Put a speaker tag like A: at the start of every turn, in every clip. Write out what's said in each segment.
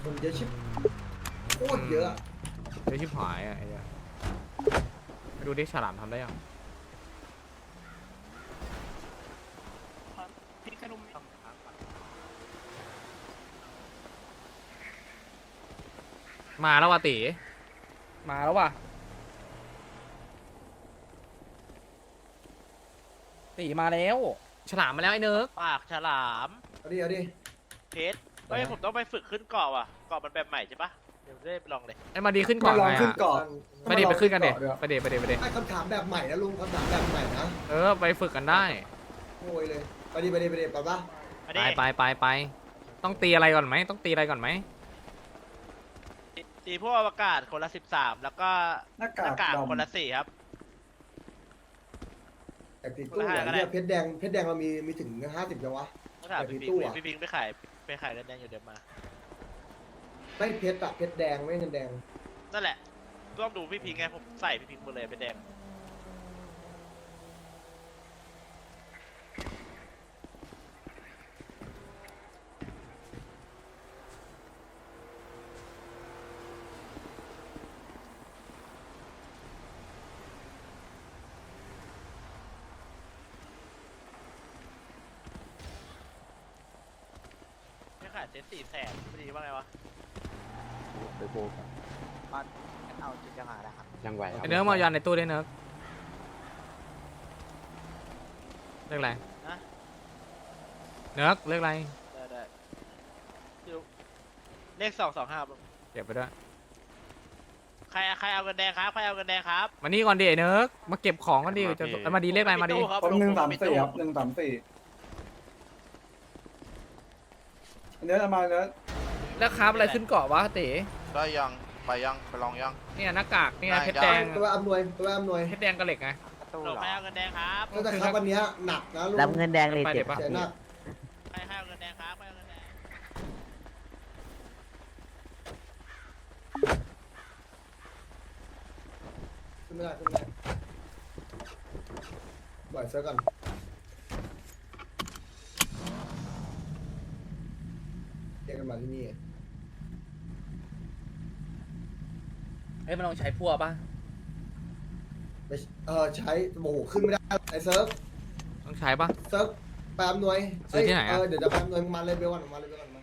A: คนเยอะชิบโคตรเยอะ
B: เดี๋ยวชิบหายอ่ะไอ้เนี่ยไปดูดิฉลามทำได้ยังมาแล้วว่ะตีมาแล้วว่ะตีมาแล้วฉลามมาแล้วไอ้เนิร์ก
C: ปากฉลาม
A: เอาดิเอาดิ
C: เพชรเฮ้ยผมต้องไปฝึกขึ้นเกาะว่ะเกาะมันแบบใหม่ใช่ปะเดี๋ยวได้ลองเลย
B: ไอ้มาดีขึ้นก่
D: มา
B: อน
D: ลอง
B: ไง
D: ขึ้น
B: อ่ะ
D: เกาะ
B: ไปดิไปขึ้นกันเด็
D: เดี๋ยว
B: ไปดิไปดิไปดิ
A: ไอ้คำถามแบบใหม่นะลุงคำถามแบบใหม่นะ
B: เออไปฝึกกันได้
A: โวยเลยไปดิไปดิไปดิไปปะ
C: อัน
B: ไป
C: นี้
B: ไปต้องตีอะไรก่อนไหมต้องตีอะไรก่อนไหม
C: ตีพวกอวกาศคนละ13แล้วก็
D: หน้า
C: หน้ากาก
D: าก
C: คนละ
D: ดำ
C: 4ครับ
A: แต่ติดตู้เหรอเนี่ยเพชรแดงเรามีถึง50แล้ววะ
C: ต้องถาม
A: แต่
C: พี่
A: มี
C: พิง
A: ตู้
C: ค์
A: อะ
C: พี่พิงค์ไปขายกันแดงอยู่เดิมมา
A: ไม่เพชรอะเพชรแดงไม่เงินแดง
C: นั่นแหละต้องดูพี่พิงค์ไงผมใส่พี่พิงค์หมดเลยเป็นแดง ไม่ขายเซ็ต400,000พอดีว่าไงวะ
E: ไปโบกัน
F: เอาจุดจังหวะนะครับ
E: ยังไหว
B: ไอ้เนิร์กมายันในตู้ได้เนิร์กเรียกอะไร
C: นะ
B: เนิร์กเรียกอะไร
C: ได้ดูเลข225ครับ
B: เก็บไปด้วย
C: ใครเอาเงินแดงครับใครเอาเงินแดงครับ
B: มานี่ก่อนดิไอ้เนิร์กมาเก็บของก่อนดิจะมาดีเรียกอะไรมาดี
C: ตู้ครับ
D: ผม134ครับ
C: ลุง
D: 134อันนี้เอามาเนื้อ
B: แล้วคราบอะไรขึ้นเกาะวะเต๋
E: ได้ยังไปยังไปลองยัง
B: เนี่ยหน้ากากเนี่ย
E: ได้
B: เพชรแดง
A: ตัวอำนวย
B: เพชรแดงกับเหล็กไง
F: ตู้
C: ลุง
F: เหรอ
C: ใครเอาเงินแดงครับ
A: ก็จะครับวันเนี้ยหนักนะลุง
F: รับเงินแดงเลย
B: ไป
F: เจ็
B: เดี๋
F: บ
B: ยวปะ
A: เสียหนัก
C: ใครเอาเงินแดงครับใครเอาเงินแดง
A: ขึ้นไม่ได้ขึ้นไม่ได้บ่อยเสื้อก่อนเรียกกันมาที่นี่
B: เอ้ยมันต้องใช้พั่วป่ะ
A: ไปใช้โอ้โหขึ้นไม่ได้ไอ้เซิร์ฟ
B: ต้องใช้ป่ะ
A: เซิร์ฟไปอำนวย
B: ซื้อที่ไหนอะ
A: เดี๋ยวจะไปอำนวยมาเลยไปวันมาเลยไปวันมา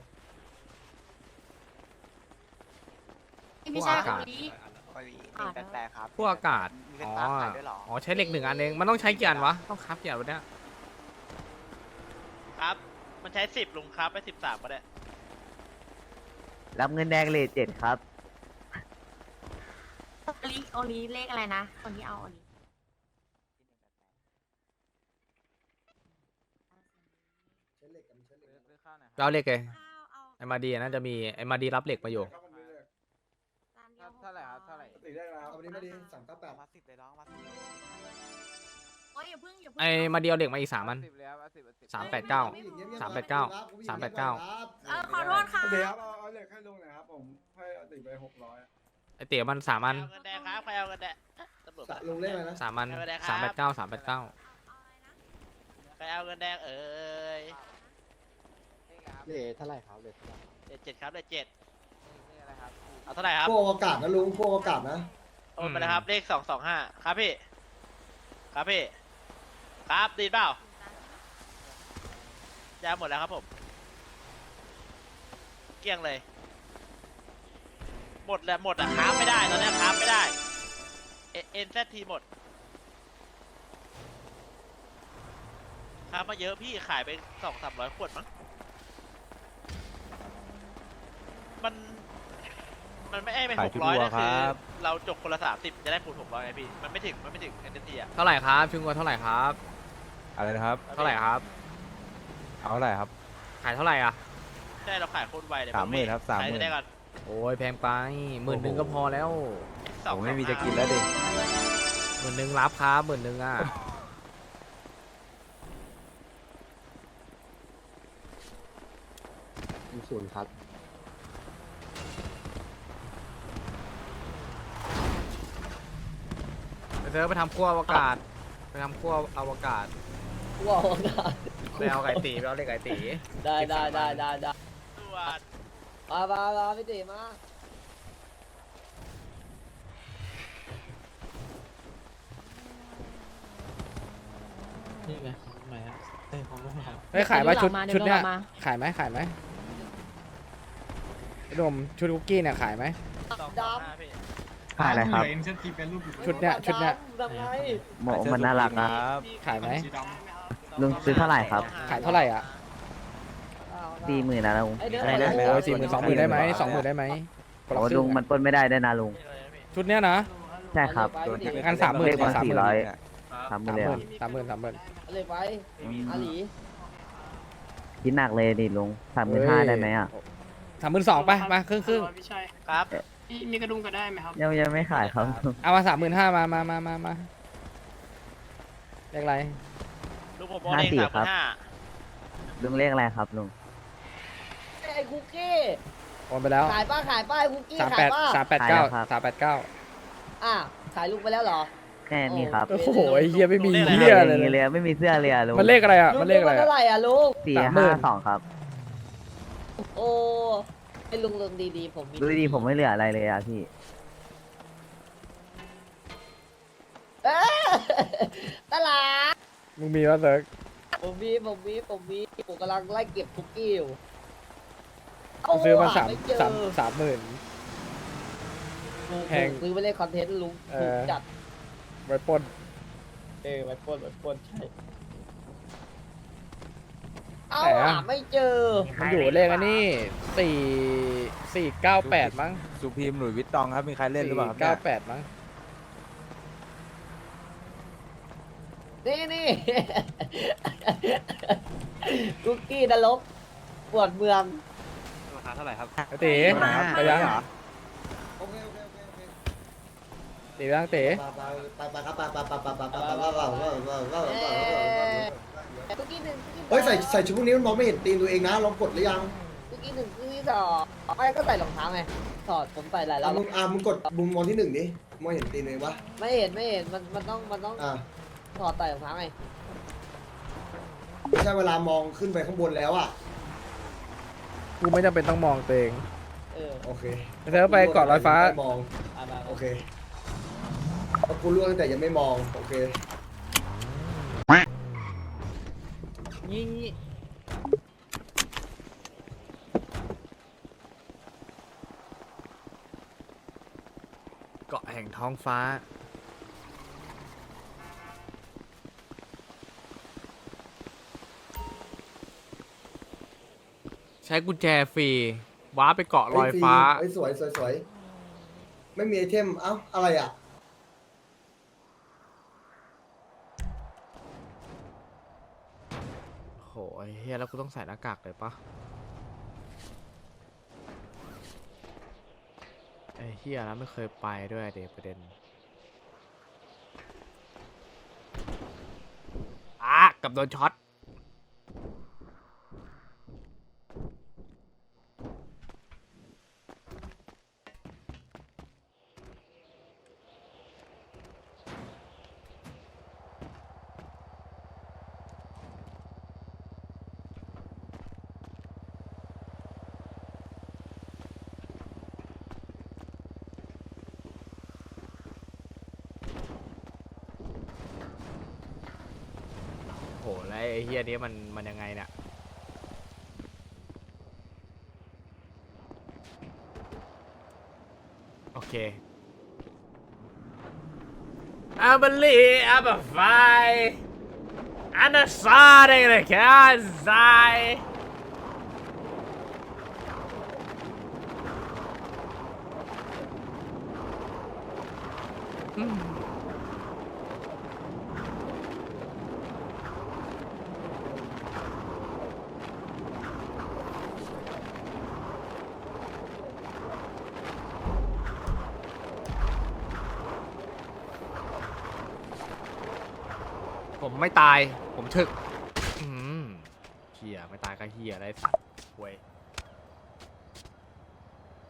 G: ไม่ใช่
B: พวกอากาศ
G: คนนี้
F: ไปวีแปลกๆครับ
B: พวกอากาศ
F: มีเป็น
B: อ๋อ
F: ตาขายด้วยเหรอ
B: อ๋อใช้เหล็ก1 อันเองมันต้องใช้กี่อันวะต้องคราฟกี่อันวะเนี่ย
C: ครับ มันใช้10ลุงครับไป13ก็ได้
F: รับเงินแดงเลย7ครับ
G: โอลีเลขอะไรนะ คนที่เอาโอลี
A: ใช้เหล็กกันใช้เหล็กกัน
B: เราเหล็กเลย
G: เอา
B: ไอ้มาดีน่าจะมีไอ้มาดีรับเหล็กมาอยู่
G: จานเดียว
E: เท่าไหร่ครับเท่าไหร่
D: ตีได้แล้ว
A: เอาวันนี้ไม่ดี398
F: มา10เลยน้องมา10
G: โอ้ยอย่าเพิ่งอย่าเพิ่ง
B: ไอ้มาดีเอาเหล็กมาอีก3 อัน
E: 10แล้ว10
B: 389 389
G: ขอโทษค่ะ
D: เดี๋ยวเอาเหล็กให้ลุงหน่อยครับผมให้เอาติดไป600
B: ไอ้เตี๋ยมัน3 อัน
C: เอาเงินแดงครับใครเอาเงินแดงตำรวจ
A: ลุงเล่นอะไรนะ
B: 3 อัน
C: ไม่เป็นไรครับ
B: 389 389
C: ใครเอาเงินแดงเอ้ย
E: เลทเท่าไหร่ครับเลทเท่าไหร่
C: เจ็ดครับเลข7เอาเท่าไหร่ครับ
A: พวกอากาศนะลุงพวกอากาศนะ
C: โอนไปนะครับเลข225ครับพี่ครับพี่ครับดีเปล่ายาหมดแล้วครับผมเกลี้ยงเลย หมดแล้วหมดอะค้าไม่ได้ตอนนี้ค้าไม่ได้เอ็นแซทีหมดค้ามาเยอะพี่ขายไป200-300 ขวดมั้งมันไม่ไป600นะคือเราจกคนละ30จะได้คูณ600ไงพี่มันไม่ถึงเอ็นทีอะ
B: เท่าไหร่ครับชุงกวนเท่าไหร่ครับ
E: อะไรนะครับ
B: เท่าไหร่ครับ
E: เอาเท่าไหร่ครับ
B: ขายเท่าไหร่อ่ะ
C: ใช่เราขายโคตรไวเลย
E: 30,000ครับ30,000
C: ขายได้ก่อน
B: โอ้ยแพงไป10,000ก็พอแล้ว
E: ผมไม่มีจะกินแล้วดิ
B: 10,000รับครับ10,000อ่ะ
E: 0ครับ
B: ไปเจอไปทำขั้วอวกาศไปทำขั้วอวกาศ
H: ว้าวได้
B: ไปเอาไก่ตีไปเอาเหล็กไก่ตี
H: ได้
C: ตรวจ
E: มาพี่ตีมา
H: นี่ไงของไหนฮะของลูกหลาน
B: เฮ้ยขายว่าชุด
I: เดี๋
B: ชุ
I: ย
B: ด
I: ว
B: เนี้ย
I: เรามา
B: ขายไหมรวมชุดคุกกี้เนี่ยขายไหม
C: 225พี่
F: ขายอะไรครับ
D: เอ็นเซนทีเป็นรูป
B: ชุดเนี้ย
E: ทำไง
F: โมมันน่ารักนะ
B: ขายไหม
D: สีด
F: ลุงซื้อเท่าไหร่ครับ
B: ขายเท่าไหร่อ่ะ
F: 40,000นะลุง
B: อะไรนะโอ้ย40,000 20,000ได้ไหม20,000ได้ไหมคนละ
F: โอ้
B: ครึ่
F: ลุ
B: ง
F: ง
B: อะ
F: มันปล้นไม่ได้ด้วยนะลุง
B: ชุดเนี้ยนะ
F: ใช่ครับ
B: งั้น30,000
F: เลข
B: ก่อ
F: มาน
B: 30,000
F: 400 30,000เลยเหรอ
B: 30,000
E: อะไรไปอาหลี
F: คิดหนักเลยดิลุง35,000ได้ไหมอ่ะ
B: 32,000ไปมาครึ่ง
H: พี่ชัย
C: ครับ
H: มีกระดุมก็ได้ไหมครับ
F: ยังไม่ขายครับ
B: เอามา35,000มาเลขอะไร
C: ลูกผมโอนเอง
F: 54ครับ
C: 35,000
F: ลุงเลขอะไรครับลุง
E: ไอ้คุกกี้
B: โอนไปแล้ว
E: ขายป้าไอ้คุกกี้ขายป้า
B: 389
E: ขายลุงไปแล้วเหรอ
F: แค่นี้ครับ
B: โอ้โหไอ้เหี้ยไม่มีเหี้ยอะไร
F: ไม่มี
B: เลย
F: ไม่มีเสื้อเลยอ่ะลุง
B: มันเลขอะไรอ่ะมันเลขอะไร
E: เท่า
B: อ่ะ
E: ไหร่อ่ะลุง
F: 452ครับ
E: โอ้ไอ้ลุงดีๆผมมี
F: ดูดีผมไม่เหลืออะไรเลยอ่ะพี่
E: ตลาด
B: มึงมีป่ะเซิร์ก
E: ผมมีผมกำลังไล่เก็บคุกกี้อยู่
B: กูซื้อมา
E: ไม่เจอ
B: 30,000
E: ลุง
B: แพง
E: ซื้อไปเล่นคอนเทนต์ลุง
B: เออ
E: ถูกจัด
B: ไว้ปล้น
E: ไว้ปล้นใช่เอาหาไม่เจอ
B: มันอยู่เลขอันนี้498มั้ง
J: สุพีมหลุยส์วิตตองครับ มีใครเล่นหรือเปล่าครับเนี่ย
B: 498มั้ง
E: นี่ คุกกี้นรกปวดเมือง
C: ราคาเท่าไหร่ครับ
B: ไอ้ตีไปยัง
A: ำโอเค
B: ตีไปยังตี
A: ไปครับไป
E: คุกกี้หนึ่ง
A: เฮ้ยใส่ชุดพวกนี้มันมองไม่เห็นตีนตัวเองนะลองกดหรือยัง
E: คุกกี้หนึ่งคุกกี้สองไอ้ก็ใส่รองเท้าไงถอดผมใส่หลายรอบ
A: มึงกดมุมมองที่1ดิมองเห็นตีนเลยปะ
E: ไม่เห็นมันต้อง
A: อ่า
E: ถอดใส่รองเท้าไง
A: ไม่ใช่เวลามองขึ้นไปข้างบนแล้วอ่ะ
B: กูไม่จำเป็นต้องมองตัวเอง
A: โอเค
B: เธอไปเกาะลอยฟ้า
A: มองโอเคเพราะกูล่วงตั้งแต่ยังไม่มองโอเค
E: ยิง
B: เกาะแห่งท้องฟ้า ใช้กุญแจฟรีว้าไปเกาะลอยฟ้า
A: เฮ้ยสวยไม่มีไอเทมเอ้าอะไรอ่ะ
B: โหไอ้เฮียแล้วกูต้องใส่หน้ากากเลยปะไอ้เฮียแล้วไม่เคยไปด้วยเดประเด็นกับโดนช็อตโหแล้วไอ้เฮียนี้มันยังไงเนี่ยโอเค I believe I'm a fight and a starting to can't die ผมไม่ตาย ผมถึกเฮียไม่ตายก็เฮียได้สัตว์เว้ย